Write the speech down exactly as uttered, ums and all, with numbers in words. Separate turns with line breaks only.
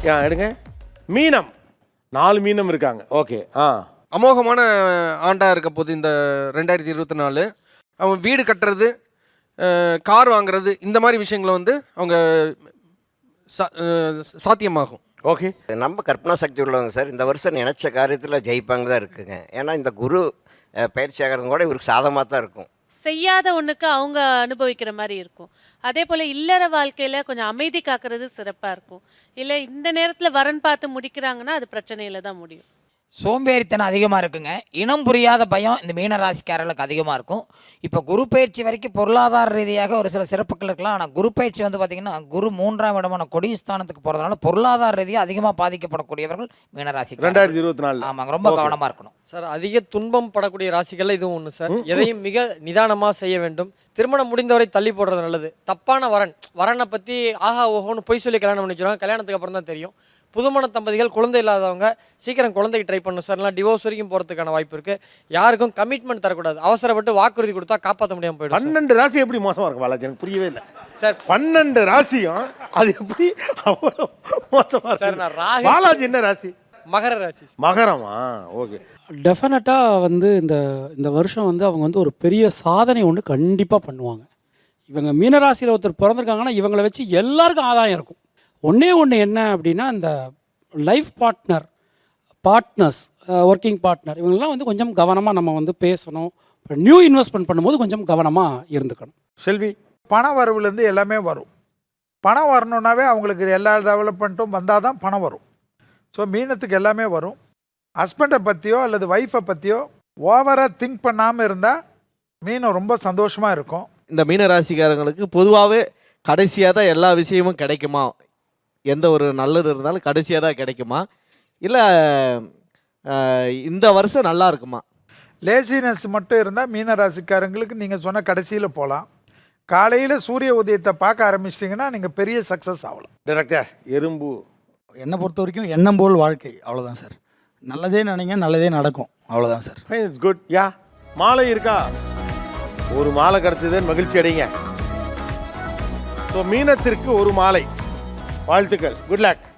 ஆ எடுங்க. மீனம், நாலு மீனம் இருக்காங்க. ஓகே. ஆ
அமோகமான ஆண்டாக இருக்க போது இந்த ரெண்டாயிரத்தி இருபத்தி நாலு அவங்க வீடு கட்டுறது, கார் வாங்குறது, இந்த மாதிரி விஷயங்களை வந்து அவங்க சாத்தியமாகும்.
ஓகே. நம்ம கற்பனா சக்தி உள்ளவங்க சார் இந்த வருஷம் நினச்ச காரியத்தில் ஜெயிப்பாங்க தான் இருக்குங்க. ஏன்னா இந்த குரு பயிற்சி ஆகிறது கூட இவருக்கு சாதமாக தான் இருக்கும்.
செய்யாத ஒன்றுக்கு அவங்க அனுபவிக்கிற மாதிரி இருக்கும். அதே போல் இல்லற வாழ்க்கையில் கொஞ்சம் அமைதி காக்கிறது சிறப்பாக இருக்கும். இல்லை இந்த நேரத்தில் வரன் பார்த்து முடிக்கிறாங்கன்னா அது பிரச்சனையில் தான் முடியும்.
சோம்பேறித்தனம் அதிகமாக இருக்குங்க. இனம் புரியாத பயம் இந்த மீன ராசிக்காரர்களுக்கு அதிகமாக இருக்கும். இப்போ குரு பயிற்சி வரைக்கும் பொருளாதார ரீதியாக ஒரு சில சிறப்புகள் இருக்கலாம். ஆனால் குரு பயிற்சி வந்து பார்த்திங்கன்னா குரு மூன்றாம் இடமான கொடிஸ்தானத்துக்கு போகிறதுனால பொருளாதார ரீதியாக அதிகமாக பாதிக்கப்படக்கூடியவர்கள் மீனராசி.
ரெண்டாயிரத்தி இருபத்தி நாலு
ஆமாங்க, ரொம்ப கவனமாக இருக்கணும்
சார். அதிக துன்பம் படக்கூடிய ராசிகளில் இதுவும் ஒன்று சார். எதையும் மிக நிதானமாக செய்ய வேண்டும். திருமணம் முடிந்தவரை தள்ளி போடுறது நல்லது. தப்பான வரன் வரனை பற்றி ஆஹா ஓஹோன்னு பொய் சொல்லி கல்யாணம் பண்ணி வச்சுருவாங்க. கல்யாணத்துக்கு அப்புறம் தான் தெரியும். புதுமண தம்பதிகள் குழந்தை இல்லாதவங்க சீக்கிரம் குழந்தைக்கு ட்ரை பண்ணணும் சார். இல்லை டிவோர்ஸ் வரைக்கும் போகிறதுக்கான வாய்ப்பு இருக்குது. யாருக்கும் கமிட்மெண்ட் தரக்கூடாது. அவசரப்பட்டு வாக்குறுதி கொடுத்தா காப்பாற்ற முடியாமல் போயிடும்.
பன்னெண்டு ராசி எப்படி மோசமாக இருக்கும் பாலாஜி? எனக்கு புரியவே இல்லை
சார்.
பன்னெண்டு ராசியும் அது எப்படி அவ்வளோ மோசமாக
சார்? நான் ராசி.
பாலாஜி என்ன ராசி?
மகர ராசி.
மகரமா? ஓகே.
டெஃபினட்டாக வந்து இந்த இந்த வருஷம் வந்து அவங்க வந்து ஒரு பெரிய சாதனை ஒன்று கண்டிப்பாக பண்ணுவாங்க. இவங்க மீனராசியில் ஒருத்தர் பிறந்திருக்காங்கன்னா இவங்களை வச்சு எல்லாருக்கும் ஆதாயம் இருக்கும். ஒன்றே ஒன்று என்ன அப்படின்னா, இந்த life partner partners working partner இவங்கெல்லாம் வந்து கொஞ்சம் கவனமாக நம்ம வந்து பேசணும். நியூ இன்வெஸ்ட்மெண்ட் பண்ணும்போது கொஞ்சம் கவனமாக இருந்துக்கணும்.
செல்வி,
பண வரவுலேருந்து எல்லாமே வரும். பணம் வரணுன்னாவே அவங்களுக்கு எல்லா டெவலப்மெண்ட்டும் வந்தால் தான் பணம் வரும். ஸோ மீனத்துக்கு எல்லாமே வரும். ஹஸ்பண்டை பற்றியோ அல்லது ஒய்ஃபை பற்றியோ ஓவராக திங்க் பண்ணாமல் இருந்தால் மீனம் ரொம்ப சந்தோஷமாக இருக்கும்.
இந்த மீன ராசிக்காரங்களுக்கு பொதுவாகவே கடைசியாக தான் எல்லா விஷயமும் கிடைக்குமா, எந்த ஒரு நல்லது இருந்தாலும் கடைசியாக தான் கிடைக்குமா, இல்லை இந்த வருஷம் நல்லா இருக்குமா?
லேசினஸ் மட்டும் இருந்தால் மீன ராசிக்காரங்களுக்கு நீங்கள் சொன்ன கடைசியில் போகலாம். காலையில் சூரிய உதயத்தை பார்க்க ஆரம்பிச்சிட்டிங்கன்னா நீங்கள் பெரிய சக்ஸஸ் ஆகலாம்.
டைரக்டர் எறும்பு,
என்னை பொறுத்த வரைக்கும் எண்ணம் போல் வாழ்க்கை, அவ்வளோதான் சார். நல்லதே நினைங்க, நல்லதே நடக்கும், அவ்வளோதான் sir.
Fine, it's good. Yeah, மாலை இருக்கா? ஒரு மாலை கிடச்சதுன்னு மகிழ்ச்சி அடைங்க. ஸோ மீனத்திற்கு ஒரு மாலை. வாழ்த்துக்கள். Good luck.